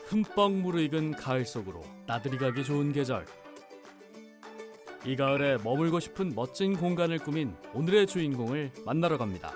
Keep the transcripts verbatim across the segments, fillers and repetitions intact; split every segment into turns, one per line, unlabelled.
흠뻑 무르익은 가을 속으로 나들이 가기 좋은 계절. 이 가을에 머물고 싶은 멋진 공간을 꾸민 오늘의 주인공을 만나러 갑니다.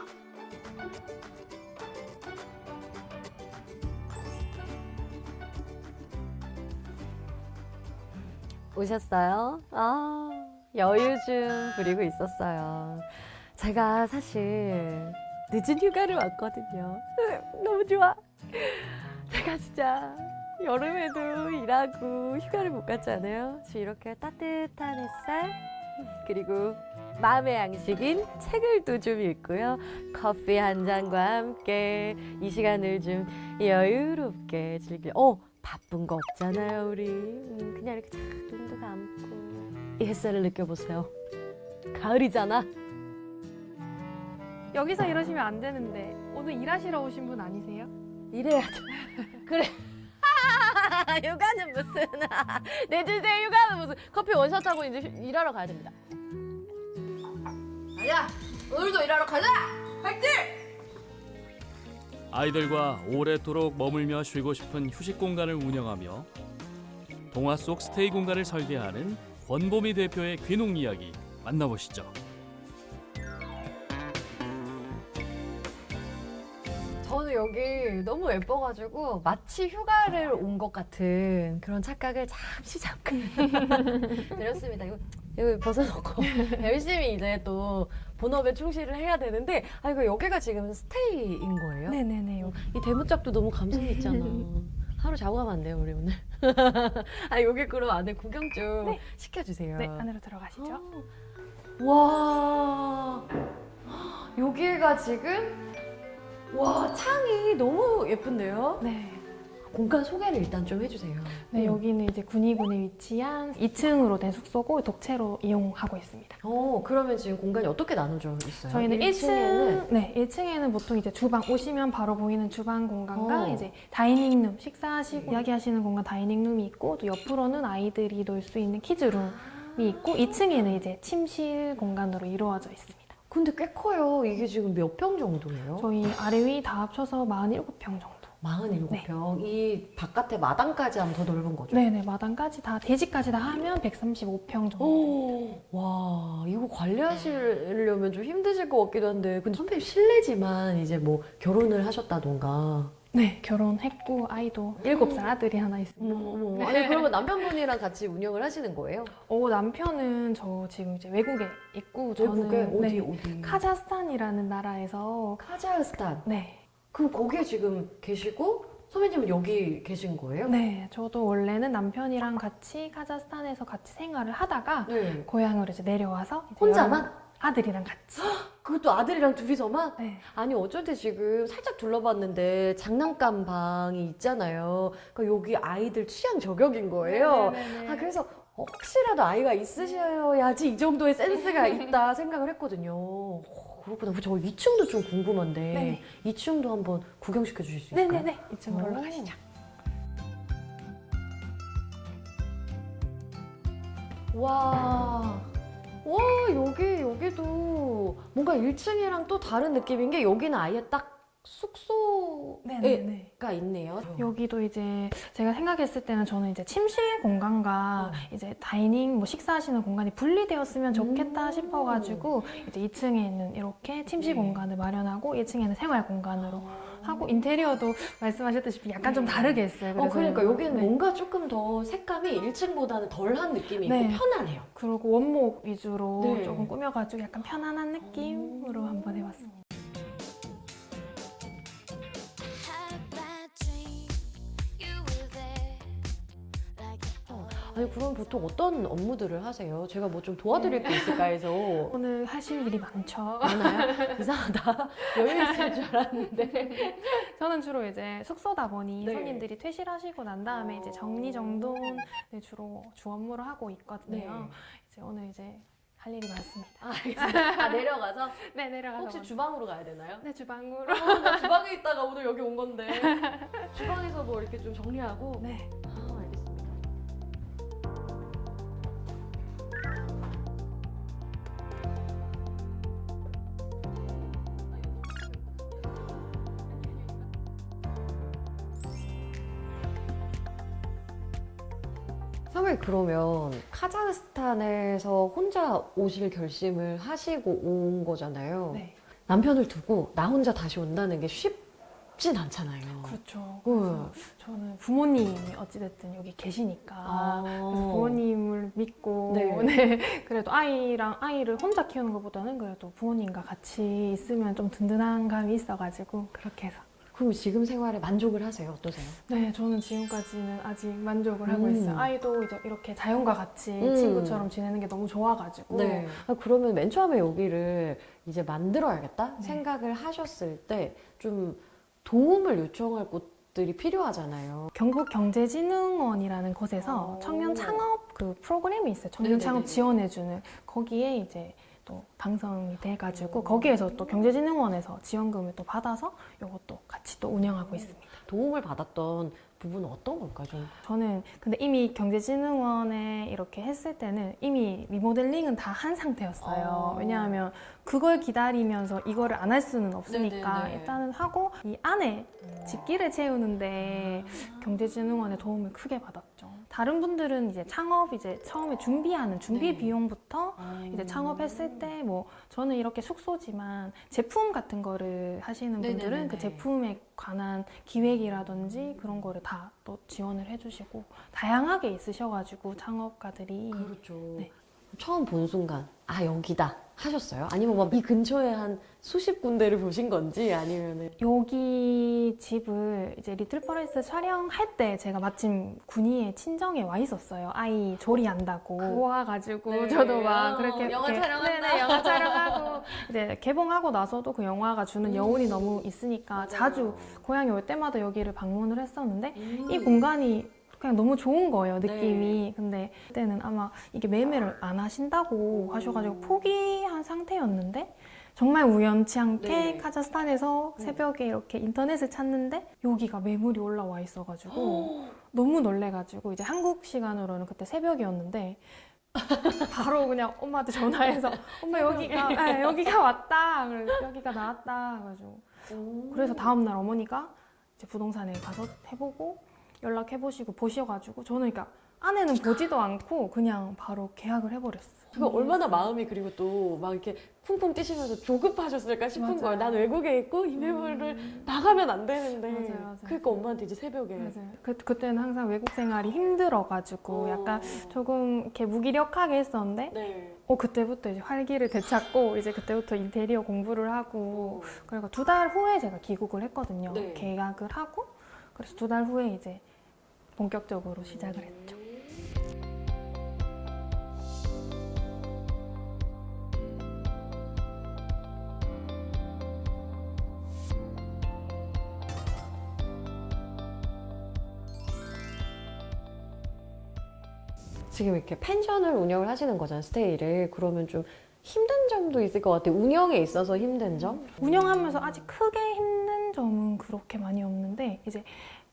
오셨어요? 아, 여유 좀 부리고 있었어요. 제가 사실 늦은 휴가를 왔거든요. 너무 좋아. 제가 진짜 여름에도 일하고 휴가를 못 갔잖아요. 지금 이렇게 따뜻한 햇살, 그리고 마음의 양식인 책을 또 좀 읽고요. 커피 한 잔과 함께 이 시간을 좀 여유롭게 즐길. 어, 바쁜 거 없잖아요, 우리. 음, 그냥 이렇게 쫙 눈도 감고 이 햇살을 느껴보세요. 가을이잖아.
여기서 이러시면 안 되는데 오늘 일하시러 오신 분 아니세요?
이래야죠. 그래. 휴가는 무슨 내 주제 휴가는 무슨 커피 원샷 하고 이제 휴- 일하러 가야 됩니다. 가자. 오늘도 일하러 가자. 화이팅!
아이들과 오래도록 머물며 쉬고 싶은 휴식 공간을 운영하며 동화 속 스테이 공간을 설계하는 권보미 대표의 귀농 이야기 만나보시죠.
저는 여기 너무 예뻐가지고 마치 휴가를 온 것 같은 그런 착각을 잠시 잠깐 내렸습니다. 이거, 이거 벗어놓고 열심히 이제 또 본업에 충실을 해야 되는데, 아 이거 여기가 지금 스테이인 거예요?
네네네.
이 대문짝도 너무 감성 있잖아. 하루 자고 가면 안 돼요, 우리 오늘? 아 여기 그럼 안에 구경 좀
네.
시켜주세요.
네, 안으로 들어가시죠.
어. 와, 여기가 지금 와 창이 너무 예쁜데요?
네.
공간 소개를 일단 좀 해주세요.
네,
음.
여기는 이제 군위군에 위치한 이 층으로 된 숙소고 독채로 이용하고 있습니다.
어 그러면 지금 공간이 어떻게 나눠져 있어요?
저희는 일 층,
층에는
네, 일 층에는 보통 이제 주방 오시면 바로 보이는 주방 공간과
어.
이제 다이닝룸, 식사하시고 이야기하시는 공간 다이닝룸이 있고, 또 옆으로는 아이들이 놀 수 있는 키즈룸이 있고, 이 층에는 이제 침실 공간으로 이루어져 있습니다.
근데 꽤 커요. 이게 지금 몇 평 정도예요?
저희 아래 위 다 합쳐서 사십칠 평 정도.
사십칠 평. 이 바깥에 마당까지 하면 더 넓은 거죠?
네네, 마당까지 다, 대지까지 다 하면 백삼십오 평 정도.
오, 와, 이거 관리하시려면 좀 힘드실 것 같기도 한데, 근데 선배님 실례지만 이제 뭐 결혼을 하셨다던가.
네, 결혼했고 아이도 일곱 살 아들이 하나 있습니다.
어머, 어머. 아니, 그러면 남편분이랑 같이 운영을 하시는 거예요?
어, 남편은 저 지금 이제 외국에 있고, 저는
외국에? 어디,
네,
어디?
카자흐스탄이라는 나라에서.
카자흐스탄.
네.
그럼 거기에 지금 계시고, 선배님은 여기 계신 거예요?
네, 저도 원래는 남편이랑 같이 카자흐스탄에서 같이 생활을 하다가
네.
고향으로 이제 내려와서 이제
혼자만?
여름- 아들이랑 같이.
그것도 아들이랑 둘이서만?
네.
아니 어쩔 때 지금 살짝 둘러봤는데 장난감 방이 있잖아요. 그러니까 여기 아이들 취향 저격인 거예요.
네네네.
아 그래서 혹시라도 아이가 있으셔야지 이 정도의 센스가 있다 생각을 했거든요. 오, 그렇구나. 저 이 층도 좀 궁금한데
네네.
이 층도 한번 구경시켜 주실 수 있을까요?
네네네. 이쪽으로
오.
올라가시죠.
와, 와 여기 여기도 뭔가 일 층이랑 또 다른 느낌인 게 여기는 아예 딱 숙소가
네네네.
있네요.
여기도 이제 제가 생각했을 때는 저는 이제 침실 공간과
어.
이제 다이닝, 뭐 식사하시는 공간이 분리되었으면 좋겠다
음.
싶어가지고 이제 이 층에는 이렇게 침실
네.
공간을 마련하고 일 층에는 생활 공간으로 하고, 인테리어도 말씀하셨듯이 약간 좀 다르게 했어요.
어, 그러니까 여기는
네.
뭔가 조금 더 색감이 일 층보다는 덜한 느낌이
네.
있고 편하네요.
그리고 원목 위주로
네.
조금 꾸며가지고 약간 편안한 느낌으로 한번 해봤습니다.
Had a bad dream, you were there, like a
아니 그럼 보통 어떤 업무들을 하세요? 제가 뭐 좀 도와드릴 게 있을까 해서.
오늘 하실 일이 많죠.
많아요? 이상하다. 여유 있을 줄 알았는데.
저는 주로 이제 숙소다 보니
네.
손님들이 퇴실하시고 난 다음에 이제 정리정돈을 주로 주 업무를 하고 있거든요.
네.
이제 오늘 이제 할 일이 많습니다.
아, 알겠습니다. 아, 내려가서
네, 내려가서
혹시
먼저.
주방으로 가야 되나요?
네, 주방으로.
어, 나 주방에 있다가 오늘 여기 온 건데. 주방에서 뭐 이렇게 좀 정리하고.
네.
아, 알겠습니다. 선배님 그러면 카자흐스탄에서 혼자 오실 결심을 하시고 온 거잖아요.
네.
남편을 두고 나 혼자 다시 온다는 게 쉽진 않잖아요.
그렇죠.
응.
그래서 저는 부모님이 어찌됐든 여기 계시니까
아.
그래서 부모님을 믿고
네.
네. 그래도 아이랑 아이를 혼자 키우는 것보다는 그래도 부모님과 같이 있으면 좀 든든한 감이 있어가지고 그렇게 해서
그럼 지금 생활에 만족을 하세요? 어떠세요?
네, 저는 지금까지는 아직 만족을 하고
음.
있어요. 아이도 이제 이렇게 자연과 같이
음.
친구처럼 지내는 게 너무 좋아가지고
네. 아, 그러면 맨 처음에 여기를 이제 만들어야겠다
네.
생각을 하셨을 때 좀 도움을 요청할 곳들이 필요하잖아요.
경북경제진흥원이라는 곳에서
오.
청년 창업 그 프로그램이 있어요. 청년
네네네네.
창업 지원해주는 거기에 이제 또 당선이 돼가지고
오.
거기에서 또 경제진흥원에서 지원금을 또 받아서 이것도 같이 또 운영하고 있습니다.
도움을 받았던 부분은 어떤 걸까 좀?
저는 근데 이미 경제진흥원에 이렇게 했을 때는 이미 리모델링은 다 한 상태였어요.
어.
왜냐하면 그걸 기다리면서 이거를 안 할 수는 없으니까
네네네.
일단은 하고 이 안에 집기를 채우는데 경제진흥원의 도움을 크게 받았죠. 다른 분들은 이제 창업 이제 처음에 준비하는 준비
네.
비용부터 이제 창업했을 때 뭐 저는 이렇게 숙소지만 제품 같은 거를 하시는 분들은
네네네네.
그 제품에 관한 기획이라든지 그런 거를 다 또 지원을 해주시고 다양하게 있으셔가지고 창업가들이
그렇죠.
네.
처음 본 순간 아 여기다 하셨어요? 아니면 뭐 이 근처에 한 수십 군데를 보신 건지 아니면은
여기 집을 이제 리틀 퍼레스 촬영할 때 제가 마침 군위에 친정에 와 있었어요. 아이 조리한다고 와가지고
네.
저도 막
어,
그렇게
영화
이렇게
촬영한다.
네네, 영화 촬영하고 이제 개봉하고 나서도 그 영화가 주는
음.
여운이 너무 있으니까
맞아요.
자주 고향에 올 때마다 여기를 방문을 했었는데
음.
이 공간이 그냥 너무 좋은 거예요, 느낌이.
네.
근데 그때는 아마 이게 매매를 안 하신다고 하셔가지고 포기한 상태였는데 정말 우연치 않게
네.
카자흐스탄에서
음.
새벽에 이렇게 인터넷을 찾는데 여기가 매물이 올라와 있어가지고 너무 놀래가지고 이제 한국 시간으로는 그때 새벽이었는데 바로 그냥 엄마한테 전화해서 엄마 여기가 네, 여기가 왔다. 그래서 여기가 나왔다. 그래가지고
오.
그래서 다음날 어머니가 이제 부동산에 가서 해보고 연락해보시고 보셔가지고 저는 그러니까 아내는 보지도 않고 그냥 바로 계약을 해버렸어요.
그거 얼마나 마음이 그리고 또 막 이렇게 쿵쿵 뛰시면서 조급하셨을까 싶은
맞아요.
거예요. 난 외국에 있고 이 매물을
음.
나가면 안 되는데.
맞아요, 맞아요.
그러니까 엄마한테 이제 새벽에.
맞아요. 그, 그때는 항상 외국 생활이 힘들어가지고
어.
약간 조금 이렇게 무기력하게 했었는데
네.
어 그때부터 이제 활기를 되찾고 이제 그때부터 인테리어 공부를 하고 그러니까 두 달 후에 제가 귀국을 했거든요.
네.
계약을 하고 그래서 두 달 후에 이제 본격적으로 시작을 했죠.
지금 이렇게 펜션을 운영을 하시는 거잖아요, 스테이를. 그러면 좀 힘든 점도 있을 것 같아요. 운영에 있어서 힘든 점?
운영하면서 아직 크게 힘든 점은 그렇게 많이 없는데 이제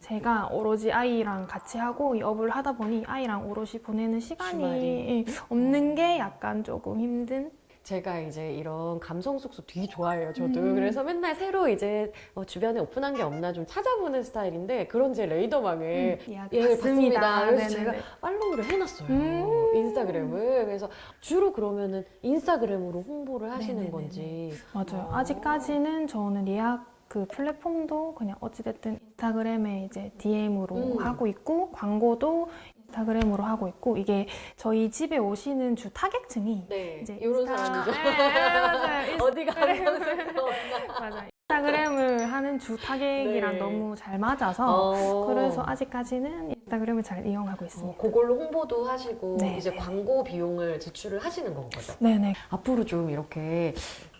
제가 오로지 아이랑 같이 하고 이 업을 하다 보니 아이랑 오롯이 보내는 시간이
주말이.
없는 게 약간 조금 힘든
제가 이제 이런 감성 숙소 되게 좋아해요, 저도.
음.
그래서 맨날 새로 이제 어, 주변에 오픈한 게 없나 좀 찾아보는 스타일인데 그런 제 레이더망에
이야기
예, 봤습니다. 그래서
네네네.
제가 팔로우를 해놨어요.
음.
인스타그램을. 그래서 주로 그러면은 인스타그램으로 홍보를 하시는
네네네네.
건지.
맞아요.
어.
아직까지는 저는 예약 그 플랫폼도 그냥 어찌됐든 인스타그램에 이제 디엠으로
음.
하고 있고 광고도 인스타그램으로 하고 있고 이게 저희 집에 오시는 주 타겟층이
네,
이제
이런
인스타-
사람이죠.
네, 네, 맞아요.
어디 가면
인스타그램을- 맞아. 인스타그램을 하는 주 타겟이랑
네.
너무 잘 맞아서
어.
그래서 아직까지는 인스타그램을 잘 이용하고
어,
있습니다.
그걸로 홍보도 하시고
네,
이제
네.
광고 비용을 지출을 하시는 건 거죠.
네네.
앞으로 좀 이렇게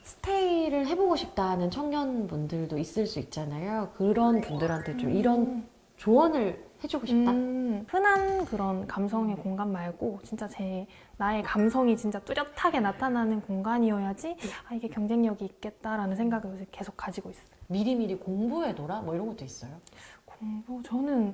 스테이를 해보고 싶다는 청년분들도 있을 수 있잖아요. 그런 분들한테 좀 이런 조언을 해주고 싶다.
음, 흔한 그런 감성의 공간 말고 진짜 제 나의 감성이 진짜 뚜렷하게 나타나는 공간이어야지 아 이게 경쟁력이 있겠다라는 생각을 요새 계속 가지고 있어요.
미리미리 공부해둬라 뭐 이런 것도 있어요.
공부 저는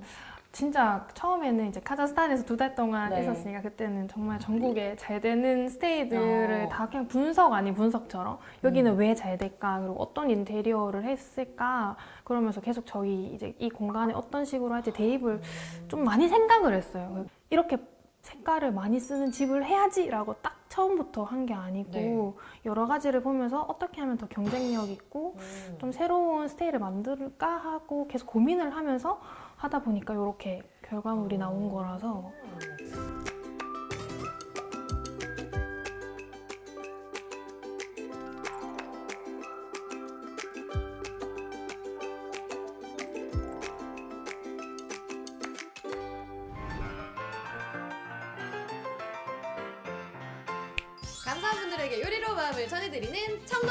진짜 처음에는 이제 카자흐스탄에서 두 달 동안
네.
있었으니까 그때는 정말 전국에 잘 되는 스테이들을
어.
다 그냥 분석 아닌 분석처럼 여기는
음.
왜 잘 될까 그리고 어떤 인테리어를 했을까 그러면서 계속 저희 이제 이 공간에 어떤 식으로 할지 대입을 좀 많이 생각을 했어요. 이렇게 색깔을 많이 쓰는 집을 해야지라고 딱 처음부터 한 게 아니고
네.
여러 가지를 보면서 어떻게 하면 더 경쟁력 있고 좀 새로운 스타일을 만들까 하고 계속 고민을 하면서 하다 보니까 이렇게 결과물이 나온 거라서
감사한 분들에게 요리로 마음을 전해드리는 청동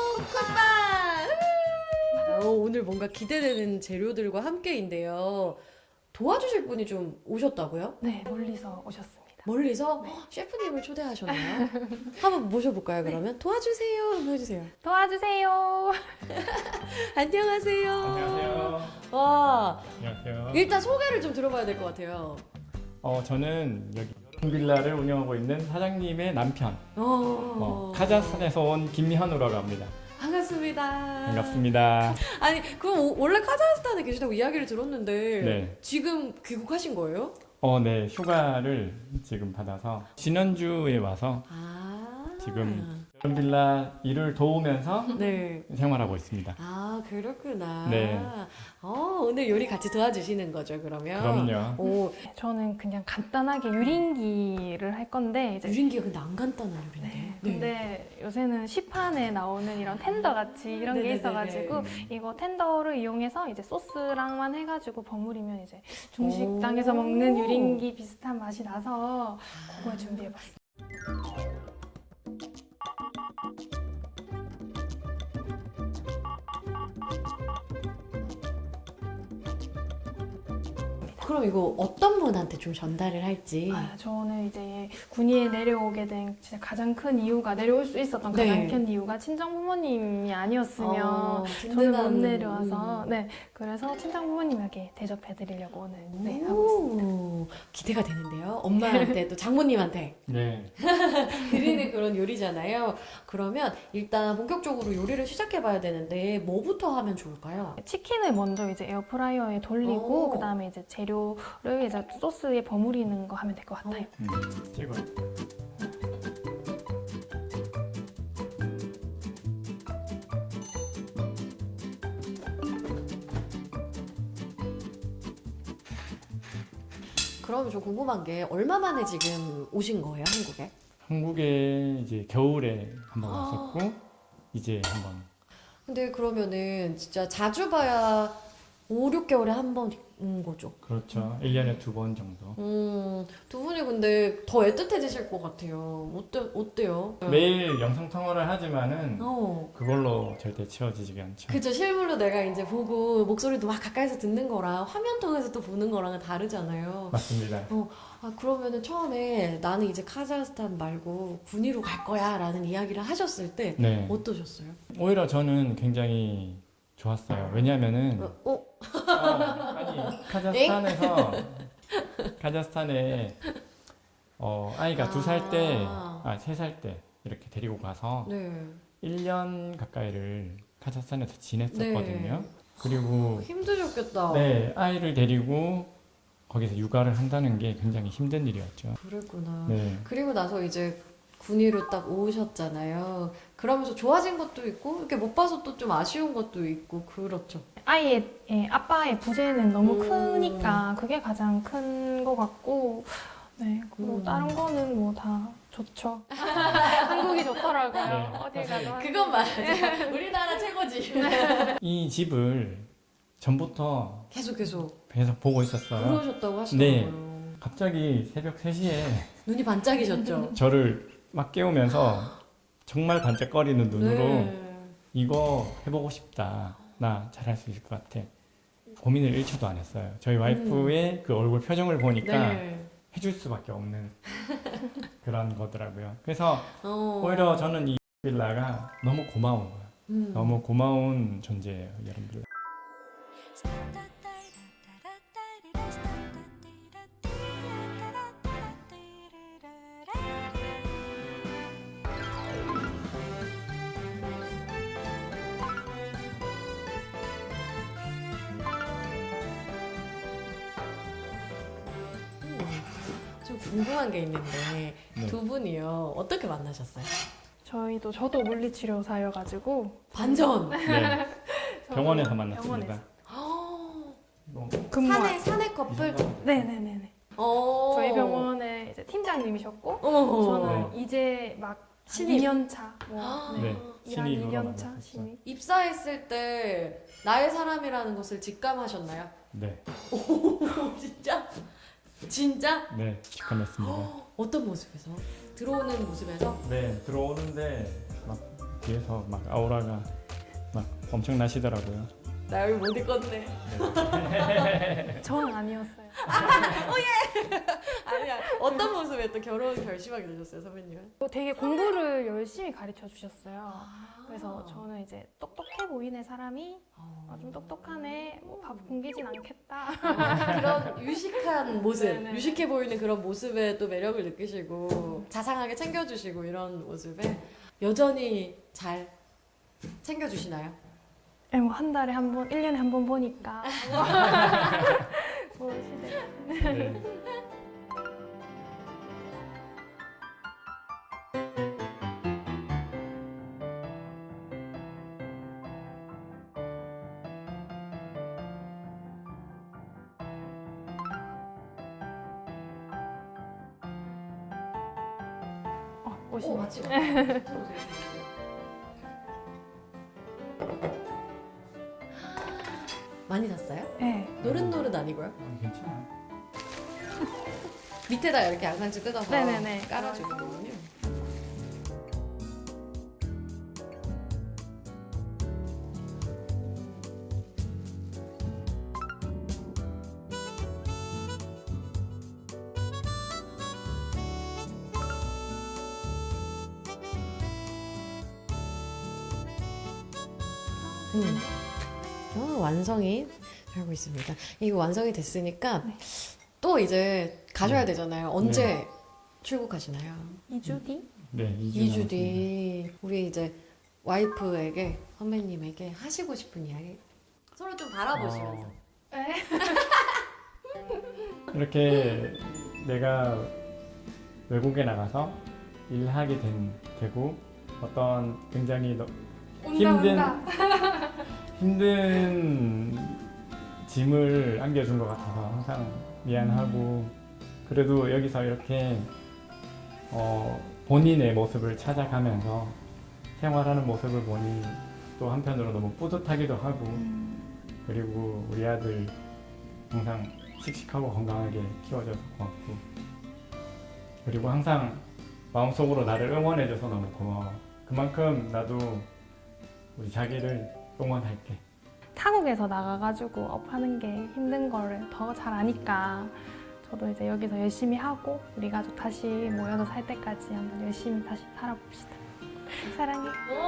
쿡방! 어, 오늘 뭔가 기대되는 재료들과 함께인데요. 도와주실 분이 좀 오셨다고요?
네, 멀리서 오셨습니다.
멀리서
네.
헉, 셰프님을 초대하셨나요? 한번 모셔볼까요, 그러면? 도와주세요 한번 해주세요.
도와주세요.
안녕하세요.
안녕하세요.
와,
안녕하세요.
일단 소개를 좀 들어봐야 될 것 같아요.
어, 저는 여기 빌라를 운영하고 있는 사장님의 남편,
어,
어, 카자흐스탄에서 온 김현우라고 합니다.
반갑습니다.
반갑습니다.
아니, 그럼 오- 원래 카자흐스탄에 계시다고 이야기를 들었는데
네.
지금 귀국하신 거예요?
어, 네, 휴가를 지금 받아서 지난주에 와서
아,
지금 빌라 일을 도우면서
네.
생활하고 있습니다.
아, 그렇구나.
네.
어, 오늘 요리 같이 도와주시는 거죠, 그러면?
그럼요.
오,
저는 그냥 간단하게 유린기를 할 건데 이제
유린기가 근데 안 간단한 요리인데.
네, 근데 요새는 시판에 나오는 이런 텐더 같이 이런 게
네네네네.
있어가지고 이거 텐더를 이용해서 이제 소스랑만 해가지고 버무리면 이제 중식당에서
오.
먹는 유린기 비슷한 맛이 나서 그걸 준비해봤어요.
그럼 이거 어떤 분한테 좀 전달을 할지.
아, 저는 이제 군위에 내려오게 된 진짜 가장 큰 이유가 내려올 수 있었던
네.
가장 큰 이유가 친정 부모님이 아니었으면
어,
저는 못
든든한,
내려와서
음.
네 그래서 친정 부모님에게 대접해드리려고 오늘 네, 하고 있습니다.
오, 기대가 되는데요. 엄마한테 또 장모님한테
네.
드리는 그런 요리잖아요. 그러면 일단 본격적으로 요리를 시작해봐야 되는데 뭐부터 하면 좋을까요?
치킨을 먼저 이제 에어프라이어에 돌리고
오.
그 다음에 이제 재료를 이제 소스에 버무리는 거 하면 될 것 같아요.
음, 찍어.
그러면 저 궁금한 게 얼마 만에 지금 오신 거예요, 한국에?
한국에 이제 겨울에 한번
아.
왔었고 이제 한번
근데 그러면은 진짜 자주 봐야 오, 육 개월에 한 번 온 거죠.
그렇죠. 일 년에 두 번 정도.
음, 두 분이 근데 더 애틋해지실 것 같아요. 어때, 어때요?
매일 영상 통화를 하지만은
어.
그걸로 절대 채워지지가 않죠.
그죠. 실물로 내가 이제 보고 목소리도 막 가까이서 듣는 거랑 화면 통해서 또 보는 거랑은 다르잖아요.
맞습니다.
아, 그러면은 처음에 나는 이제 카자흐스탄 말고 군위로 갈 거야 라는 이야기를 하셨을 때
네.
어떠셨어요?
오히려 저는 굉장히 좋았어요. 왜냐면은
어? 어?
어, 아니 카자흐스탄에서 카자흐스탄에 어, 아이가 두 살 때,
아.
아, 세 살 때 이렇게 데리고 가서
네.
일 년 가까이를 카자흐스탄에서 지냈었거든요.
네.
그리고
힘드셨겠다.
네, 아이를 데리고 거기서 육아를 한다는 게 굉장히 힘든 일이었죠.
그랬구나.
네.
그리고 나서 이제 군위로 딱 오셨잖아요. 그러면서 좋아진 것도 있고 이렇게 못 봐서 또 좀 아쉬운 것도 있고 그렇죠.
아이의 예, 아빠의 부재는 너무
음.
크니까 그게 가장 큰 것 같고 네 그리고
음.
다른 거는 뭐 다 좋죠. 한국이 좋더라고요.
네,
어딜
사실
가도
그건 맞아. 우리나라 최고지.
이 집을 전부터
계속 계속
계속 보고 있었어요.
그러셨다고 하시더라고요.
네. 갑자기 새벽 세 시에
눈이 반짝이셨죠.
저를 막 깨우면서 정말 반짝거리는 눈으로
네.
이거 해보고 싶다. 나 잘할 수 있을 것 같아. 고민을 일 초도 안 했어요. 저희 와이프의 그 얼굴 표정을 보니까
음. 네.
해줄 수밖에 없는 그런 거더라고요. 그래서
어.
오히려 저는 이 빌라가 너무 고마운 거예요.
음.
너무 고마운 존재예요, 여러분 빌라.
좀
궁금한 게 있는데
네.
두 분이요 어떻게 만나셨어요?
저희도 저도 물리치료사여가지고
반전.
네.
저도
병원에서 만났습니다.
병원에서
뭐,
근무할
사내 사내 커플.
네네네네.
어.
저희 병원의 이제 팀장님이셨고
어.
저는 이제 막
신입.
이 년 차. 뭐,
아.
네.
네.
일한
신입으로
이 년 차
만났었어요.
신입.
입사했을 때 나의 사람이라는 것을 직감하셨나요?
네.
오 진짜? 진짜?
네. 직감했습니다.
어떤 모습에서? 들어오는 모습에서?
네. 들어오는데 막 뒤에서 막 아우라가 막 엄청 나시더라고요.
나 여기 못 있겠네.
저는 아니었어요.
아니야. 어떤 모습에 또 결혼 결심하게 되셨어요, 선배님은?
또 되게 공부를 열심히 가르쳐 주셨어요.
아.
그래서 저는 이제 똑똑해 보이는 사람이 어, 좀 똑똑하네, 뭐 밥 굶기진 않겠다.
그런 유식한 모습,
네네.
유식해 보이는 그런 모습에 또 매력을 느끼시고 자상하게 챙겨주시고 이런 모습에 여전히 잘 챙겨주시나요?
네, 뭐한 달에 한 번, 일 년에 한 번 보니까. 보시네.
네.
어, 오시네.
오, 맞지? 많이 샀어요?
네.
노릇노릇 아니고요?
어, 괜찮아요.
밑에다 이렇게 양상추 뜯어서
네네네.
깔아주거든요. 음. 어, 완성이 되고 있습니다. 이거 완성이 됐으니까
네.
또 이제 가셔야
네.
되잖아요. 언제 출국하시나요?
이 주 뒤?
네. 이 주
이 주
남았습니다.
뒤 우리 이제 와이프에게 선배님에게 하시고 싶은 이야기 서로 좀 바라보시면서
어,
네.
이렇게 내가 외국에 나가서 일하게 된, 되고 어떤 굉장히 너, 힘든 힘든 짐을 안겨준 것 같아서 항상 미안하고 그래도 여기서 이렇게 어, 본인의 모습을 찾아가면서 생활하는 모습을 보니 또 한편으로 너무 뿌듯하기도 하고 그리고 우리 아들 항상 씩씩하고 건강하게 키워줘서 고맙고 그리고 항상 마음속으로 나를 응원해줘서 너무 고마워. 그만큼 나도 우리 자기를 응원할게.
타국에서 나가가지고 업하는 게 힘든 거를 더 잘 아니까 저도 이제 여기서 열심히 하고 우리 가족 다시 모여서 살 때까지 한번 열심히 다시 살아봅시다. 사랑해.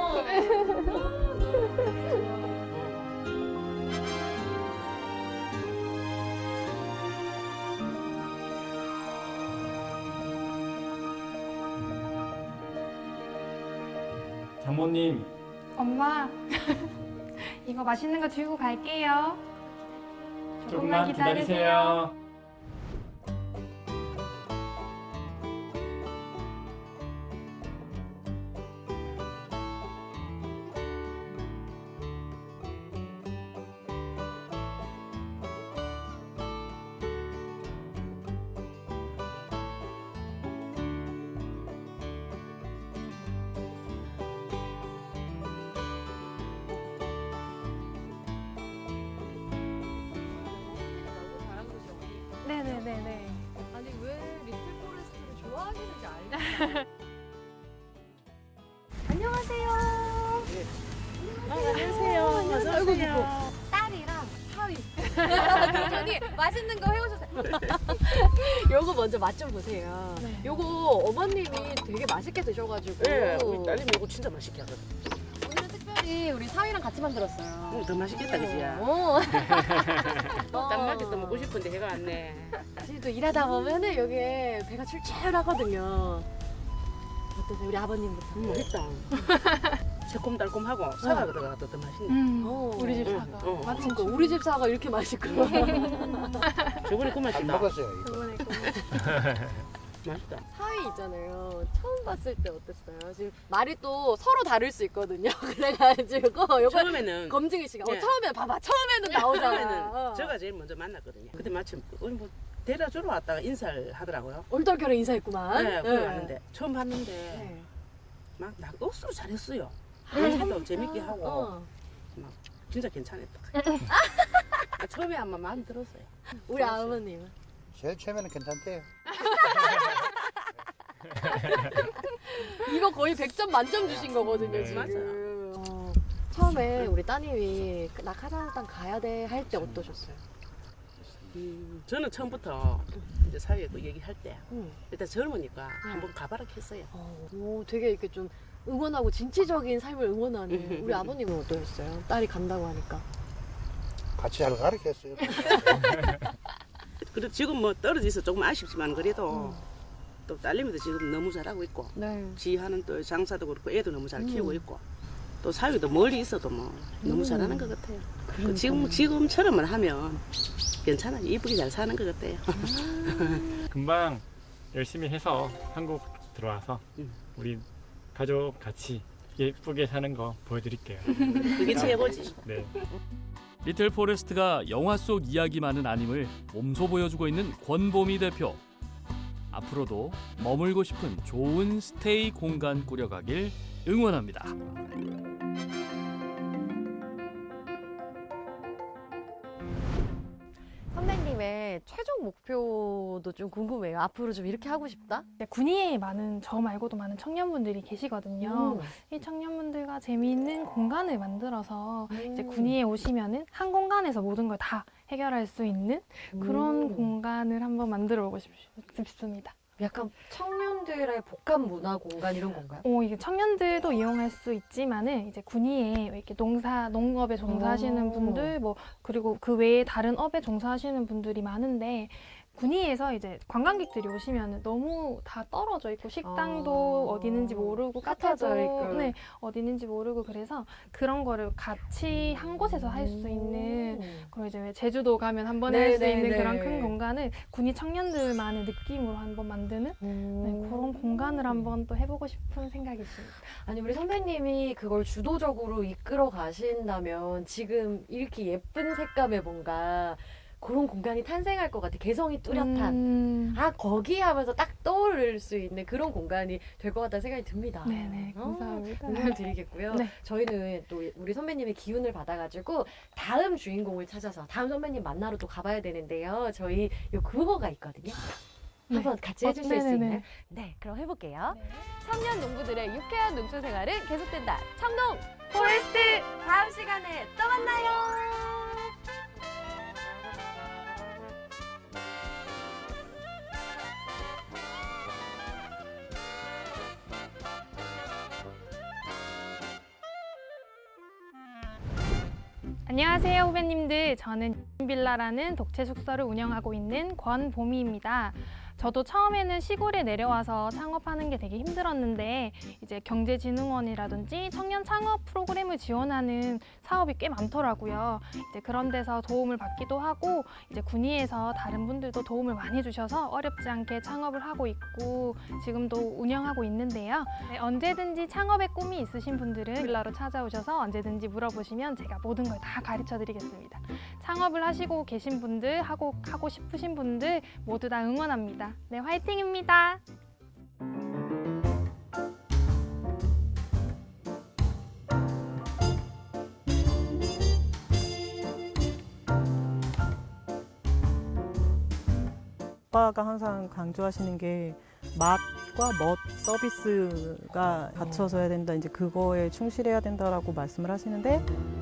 장모님
엄마, 이거 맛있는 거 들고 갈게요.
조금만 기다리세요.
네네네네.
아니 왜 리틀 포레스트를 좋아하시는지 알겠어요.
안녕하세요.
안녕하세요. 어서 오세요.
딸이랑 하위. 도전이 맛있는 거 해오셨어요. 요거 먼저 맛 좀 보세요.
네.
요거 어머님이 되게 맛있게 드셔가지고
네, 우리 딸님이 이거 진짜 맛있게 하거든.
오늘은 특별히 우리 사위랑 같이 만들었어요.
응, 더 맛있겠다, 그지야?
어.
딱 맞게 또 먹고 싶은데 해가 왔네.
사실 또 일하다 보면은 여기에 배가 출출하거든요. 어떠세요? 우리 아버님부터.
음, 맛있다. 새콤달콤하고 사과가 들어가도 더 맛있네.
음,
어.
우리 집
응,
사과.
응.
마침
그러니까 우리 집 사과 이렇게 맛있구나.
저번에 그
안
맛이다.
먹었어요. 이거.
저번에 그
맛있다.
사위 있잖아요. 처음 봤을 때 어땠어요? 지금 말이 또 서로 다를 수 있거든요. 그래가지고 요거
처음에는
검증이 시간. 어,
예.
처음에 봐봐. 처음에는 나오잖아.
처음에는
어.
제가 제일 먼저 만났거든요. 그때 마침 우리 뭐 데려다 주러 왔다가 인사를 하더라고요.
얼떨결에 인사했구만.
네,
네.
그래 왔는데 처음 봤는데
네.
막 나 억수로 잘했어요.
네.
얘기도 재밌게 하고
어.
막 진짜 괜찮았다. 아, 처음에 한번 마음 들었어요.
우리 아버님은
제일 처음에는 괜찮대요.
이거 거의 백 점 만점 주신 거거든요,
네.
지금. 어. 처음에 우리 따님이 나 카자흐스탄 가야 돼 할 때 어떠셨어요?
음, 저는 처음부터 이제 사회에 그 얘기할 때
음.
일단 젊으니까 한번 가봐라 했어요.
어, 오, 되게 이렇게 좀 응원하고 진취적인 삶을 응원하는 우리 아버님은 어떠셨어요? 딸이 간다고 하니까.
같이 잘 가르쳤어요.
그래도 지금 뭐 떨어져 있어 조금 아쉽지만 그래도 또 딸내미도 지금 너무 잘하고 있고
네.
지 하는 또 장사도 그렇고 애도 너무 잘 키우고 있고 또 사위도 멀리 있어도 뭐 너무 잘하는 것 같아요. 그 지금 지금처럼만 하면 괜찮아 이쁘게 잘 사는 것 같아요.
금방 열심히 해서 한국 들어와서
음.
우리 가족 같이 예쁘게 사는 거 보여드릴게요.
그게 최고지.
네.
리틀 포레스트가 영화 속 이야기만은 아님을 몸소 보여주고 있는 권보미 대표. 앞으로도 머물고 싶은 좋은 스테이 공간 꾸려가길 응원합니다.
선배님의 최종 목표도 좀 궁금해요. 앞으로 좀 이렇게 하고 싶다?
이제 군위에 많은 저 말고도 많은 청년분들이 계시거든요. 이 청년분들과 재미있는 공간을 만들어서 이제 군위에 오시면은 한 공간에서 모든 걸 다 해결할 수 있는 그런
음.
공간을 한번 만들어 보고 싶, 싶습니다.
약간 청년들의 복합 문화 공간 이런 건가요?
어, 이게 청년들도 이용할 수 있지만은 이제 군위에 이렇게 농사, 농업에 종사하시는
오.
분들, 뭐 그리고 그 외에 다른 업에 종사하시는 분들이 많은데 군위에서 이제 관광객들이 오시면 너무 다 떨어져 있고 식당도
아.
어디 있는지 모르고
깎아져
카페도
있고.
네, 어디 있는지 모르고 그래서 그런 거를 같이 한 곳에서 할 수 있는 그리고 이제 왜 제주도 가면 한 번에 할 수
네, 네,
있는
네.
그런 큰 공간을 군위 청년들만의 느낌으로 한번 만드는 네, 그런 공간을 한번 또 해보고 싶은 생각이 있습니다.
아니 우리 선배님이 그걸 주도적으로 이끌어 가신다면 지금 이렇게 예쁜 색감의 뭔가 그런 공간이 탄생할 것 같아. 개성이 뚜렷한.
음,
아 거기 하면서 딱 떠오를 수 있는 그런 공간이 될 것 같다는 생각이 듭니다.
네네
어,
감사합니다.
응원 드리겠고요.
네.
저희는 또 우리 선배님의 기운을 받아가지고 다음 주인공을 찾아서 다음 선배님 만나러 또 가봐야 되는데요. 저희 요 그거가 있거든요.
네.
한번 같이
어,
해주실 수
네네네.
있나요? 네, 그럼 해볼게요.
네.
청년 농부들의 유쾌한 농촌 생활은 계속된다. 청농 포레스트 다음 시간에 또 만나요.
안녕하세요 후배님들. 저는 빌라라는 독채 숙소를 운영하고 있는 권보미입니다. 저도 처음에는 시골에 내려와서 창업하는 게 되게 힘들었는데 이제 경제진흥원이라든지 청년 창업 프로그램을 지원하는 사업이 꽤 많더라고요. 이제 그런 데서 도움을 받기도 하고 이제 군위에서 다른 분들도 도움을 많이 주셔서 어렵지 않게 창업을 하고 있고 지금도 운영하고 있는데요. 네, 언제든지 창업의 꿈이 있으신 분들은 빌라로 찾아오셔서 언제든지 물어보시면 제가 모든 걸 다 가르쳐 드리겠습니다. 창업을 하시고 계신 분들, 하고 하고 싶으신 분들 모두 다 응원합니다. 네, 화이팅입니다.
아빠가 항상 강조하시는 게 맛과 멋 서비스가 갖춰져야 된다. 이제 그거에 충실해야 된다라고 말씀을 하시는데